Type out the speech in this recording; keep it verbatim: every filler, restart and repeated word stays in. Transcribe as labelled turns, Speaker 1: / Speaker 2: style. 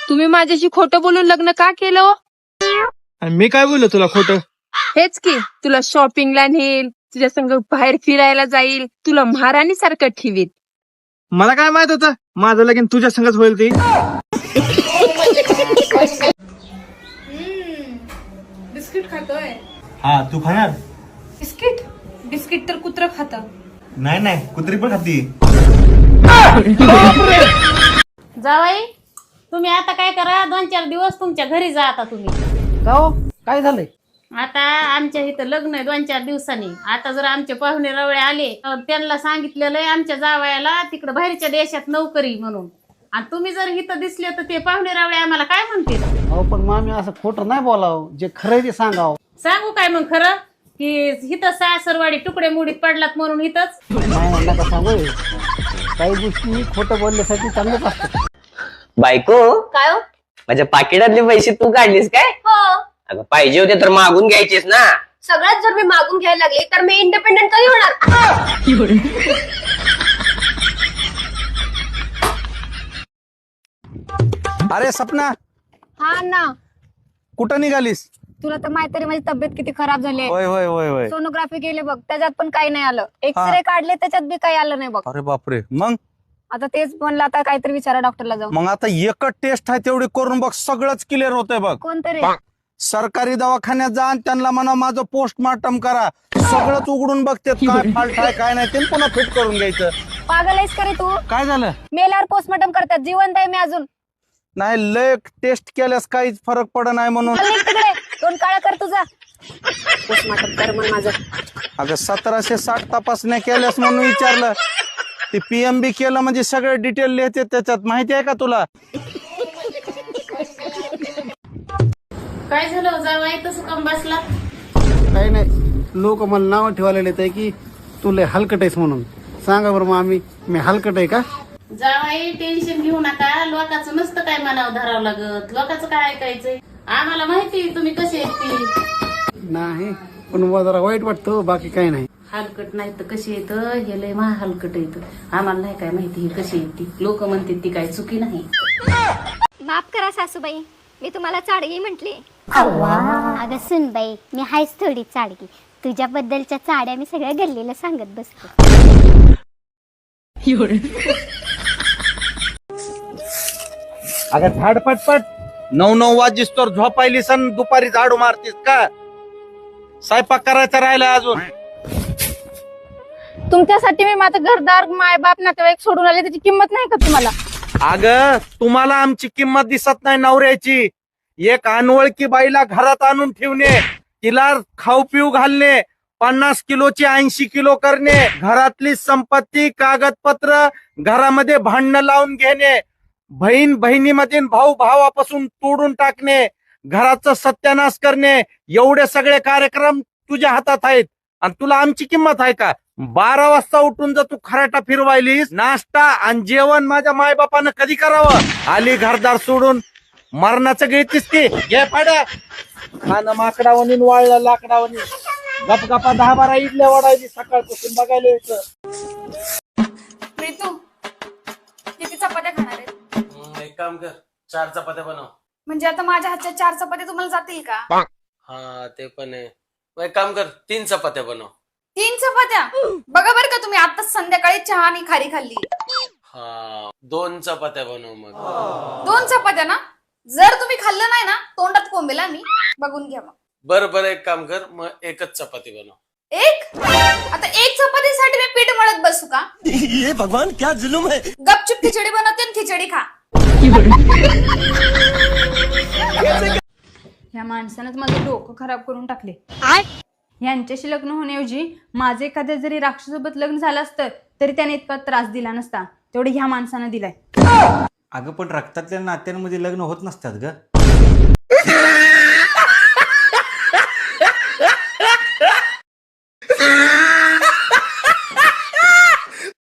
Speaker 1: तुम्ही माझ्याशी खोटं बोलून लग्न का केलं हो?
Speaker 2: आणि मी काय बोललो तुला खोटं?
Speaker 1: हेच की तुला शॉपिंगला नेईल, तुझ्या संग बाहेर फिरायला जाईल, तुला महाराणी सारखं ठेवील.
Speaker 2: मला काय माहित होतं माझं लगीन तुझ्या संगच होईल ती.
Speaker 1: बिस्किट खातोय?
Speaker 3: हा तू खाणार?
Speaker 1: बिस्किट बिस्किट तर कुत्र खातं.
Speaker 3: नाही नाही कुत्री पण खाती.
Speaker 4: जावाई तुम्ही आता काय करा, दोन चार दिवस तुमच्या घरी जा. आता तुम्ही
Speaker 5: जाओ, काय झालंय?
Speaker 4: आता आमच्या इथं लग्न आहे दोन चार दिवसांनी. आता जर आमचे पाहुणे रवळे आले तर त्यांना सांगितलेलं आहे आमच्या जावयाला तिकडे बाहेरच्या देशात नोकरी म्हणून. आणि तुम्ही जर इथं दिसले तर ते पाहुणे रवळे आम्हाला काय म्हणतील?
Speaker 5: अहो पण मामी असं खोटं नाही बोलावं, जे खरंय ते सांगावं.
Speaker 4: सांगू काय मग खरं की इथं सासरवाडी तुकडे मुडीत पडलात म्हणून इथंच?
Speaker 5: नाही म्हणलं का सांगू, काही गोष्टी खोटं बोलण्यासाठी चांगलंच असतं.
Speaker 6: बायको
Speaker 7: काय हो?
Speaker 6: माझ्या पाकिटातले पैसे तू काढलीस काय?
Speaker 7: हो.
Speaker 6: अगं पाहिजे होते तर मागून घ्यायचेस ना.
Speaker 7: सगळ्यात जर मी मागून घ्यायला लागले तर मी इंडिपेंडेंट कधी होणार?
Speaker 8: अरे सपना,
Speaker 9: हा ना,
Speaker 8: कुठं निघालीस?
Speaker 9: तुला तर माहिती माझी तब्येत किती खराब झाली आहे.
Speaker 8: होय होय होय होय.
Speaker 9: सोनोग्राफी केली बघ, त्याच्यात पण काही नाही आलं. एक्सरे काढले त्याच्यात बी काही आलं नाही बघ.
Speaker 8: अरे बापरे. मग
Speaker 9: आता तेच म्हणलं, आता काहीतरी विचारा डॉक्टरला जाऊ.
Speaker 8: मग आता एकच टेस्ट आहे तेवढी करून बघ, सगळंच क्लिअर होतंय बघ.
Speaker 9: कोणतरी
Speaker 8: सरकारी दवाखान्यात जा आणि त्यांना म्हणा माझं पोस्टमार्टम करा, सगळंच उघडून बघते काय फॉल्ट आहे काय नाही ते पुन्हा फिट करून घ्यायचं.
Speaker 9: पागल आहेस का रे तू?
Speaker 8: काय झालं?
Speaker 9: मेल्यावर पोस्टमार्टम करतात, जिवंत आहे मी अजून.
Speaker 8: नाही लय टेस्ट केल्यास काहीच फरक पड नाही म्हणून.
Speaker 9: चल निघ तिकडे, दोन काळा कर तुझा. पोस्टमार्टम कर मग माझं.
Speaker 8: अगं सतराशे साठ तपासण्या केल्यास म्हणून विचारलं. ते पीएमबी केलं म्हणजे सगळे डिटेल लिहिते त्याच्यात, माहिती आहे का तुला?
Speaker 4: काय झालं जावाई तसं काम बसला?
Speaker 5: काही नाही, लोक मला नाव ठेवायला येत आहे की तू लय हलकट आहेस म्हणून. सांगा बरं मामी, मी हलकट आहे का?
Speaker 4: जावाई टेन्शन घेऊ नका, लोकांचं नसतं काय मनावर धरावं लागत, लोकांचं काय ऐकायचंय. आम्हाला माहिती तुम्ही कसे आहेत ती.
Speaker 5: नाही पण मला जरा वाईट वाटतं, बाकी काही नाही.
Speaker 4: हलकट नाही तर कशी येतं, हे लय महा हलकट येतं. आम्हाला नाही काय माहिती ही कशी येते. लोक म्हणतात ती काय चुकी नाही.
Speaker 10: माफ करा सासूबाई, मी तुम्हाला चाडगी म्हटली. अगं सुनबाई, मी हायच थोडी चाडगी. तुझ्याबद्दलच्या चाड्या मी सगळ्या गल्लीला सांगत बसतो.
Speaker 8: अगं झाड पटपट नऊ नऊ वाजीस तर झोपायली सण, दुपारी झाडू मारतीस का? स्वयंपाक करायचा राहिला अजून.
Speaker 9: तुमच्यासाठी मी माझं घरदार, मायबाप, नातेवाईक सोडून आले, त्याची किंमत नाही का तुम्हाला?
Speaker 8: अगं तुम्हाला आमची किंमत दिसत नाही नवऱ्याची. एक अनवळकी बाईला घरात आणून ठेवणे, तिला खाऊ पिऊ घालणे, पन्नास किलोची ऐंशी किलो करणे, घरातली संपत्ती कागदपत्र घरामध्ये भांडणं लावून घेणे, बहीण बहिणीमधील भाऊ भावापासून तोडून टाकणे, घराचा सत्यानाश करणे, एवढे सगळे कार्यक्रम तुझ्या हातात आहेत. आणि तुला आमची किंमत आहे का? बारा वाजता उठून जर तू खराटा फिरवायलीस, नाश्ता आणि जेवण माझ्या मायबापानं कधी करावं? आली घरदार सोडून मरणाचं घेतीस की? घे पाड्या खाणं माकडावणी वाळलं लाकडावणी. गपगपा दहा बारा इडल्या वाढायची सकाळपासून बघायला यायचं.
Speaker 9: प्रीतू, किती चपात्या खाणार आहेत?
Speaker 2: एक काम कर, चार चपात्या बनव.
Speaker 9: म्हणजे आता माझ्या हातच्या चार चपात्या तुम्हाला जातील का?
Speaker 2: हा ते पण आहे. मग एक काम कर, तीन चपात्या बनव.
Speaker 9: तीन चपात्या? बघा बरं का, तुम्ही आता संध्याकाळी चहा आणि खारी खाल्ली.
Speaker 2: हा दोन चपात्या बनव मग.
Speaker 9: दोन चपात्या ना? जर तुम्ही खाल्लं नाही ना, तोंडात कोंबेला मी. बघून घ्या मग.
Speaker 2: बरं बरं एक काम कर, मग एकच चपाती बनव.
Speaker 9: एक? आता एक चपातीसाठी मी पीठ मळत बसू का?
Speaker 3: ये भगवान क्या जुलूम है.
Speaker 9: गपचूप खिचडी बनवते आणि खिचडी खा.
Speaker 1: ह्या माणसानंच माझं डोकं खराब करून टाकले. यांच्याशी लग्न होण्याऐवजी माझं एखाद्या जरी राक्षसोबत लग्न झालं असतं तरी त्याने इतका त्रास दिला नसता, तेवढे ह्या माणसानं दिलाय.
Speaker 3: अगं पण रक्तातल्या नात्यांमध्ये लग्न होत नसतात ग.